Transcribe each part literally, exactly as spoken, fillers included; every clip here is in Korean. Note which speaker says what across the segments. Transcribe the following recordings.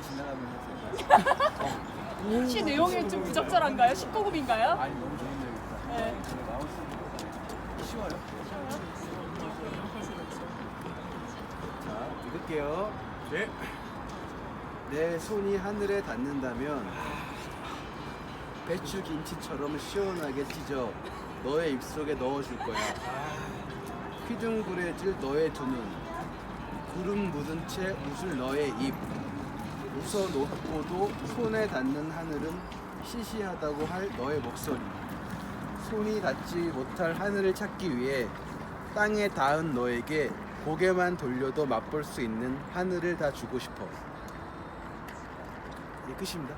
Speaker 1: 지나가면
Speaker 2: 시 내용이 좀 부적절한가요? 십구 금인가요?
Speaker 1: 아니 너무 좋은 내용입니다.
Speaker 2: 네.
Speaker 1: 쉬워요. 자, 읽을게요.
Speaker 3: 네.
Speaker 1: 내 손이 하늘에 닿는다면 배추 김치처럼 시원하게 찢어 너의 입속에 넣어줄 거야. 휘둥그레질 너의 두 눈, 구름 묻은 채 웃을 너의 입. 웃어놓고도 손에 닿는 하늘은 시시하다고 할 너의 목소리. 손이 닿지 못할 하늘을 찾기 위해 땅에 닿은 너에게 고개만 돌려도 맛볼 수 있는 하늘을 다 주고 싶어. 예, 끝입니다.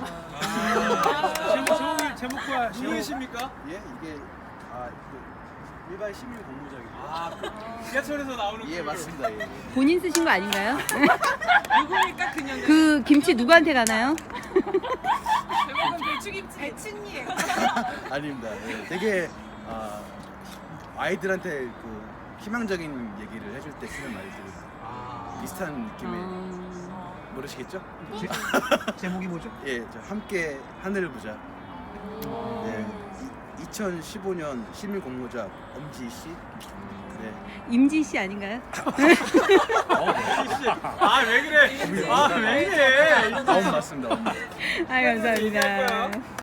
Speaker 3: 제목, 제목이, 제목과 누구이십니까?
Speaker 1: 예, 이게 아, 그 일반 시민 공모작입니다.
Speaker 3: 아, 그 지하철에서 나오는
Speaker 1: 예,
Speaker 3: 그-
Speaker 1: 맞습니다. 예.
Speaker 4: 본인 쓰신 거 아닌가요?
Speaker 5: 누구니까 그냥
Speaker 4: 그 김치 누구한테 가나요?
Speaker 5: 대부분 배추김치 배추님
Speaker 1: 아닙니다. 예, 되게 아, 아이들한테 그 희망적인 얘기를 해줄 때 쓰는 말들이
Speaker 3: 아,
Speaker 1: 비슷한 느낌의
Speaker 4: 음...
Speaker 1: 모르시겠죠?
Speaker 3: 제, 제목이 뭐죠?
Speaker 1: 예, 저 함께 하늘을 보자. 네, 이천십오 년 시민 공모작 엄지희 씨. 네.
Speaker 4: 임지 씨 아닌가요?
Speaker 3: 아, 왜 그래? 아, 왜 이래?
Speaker 1: 다음 맞습니다.
Speaker 4: 아 감사합니다.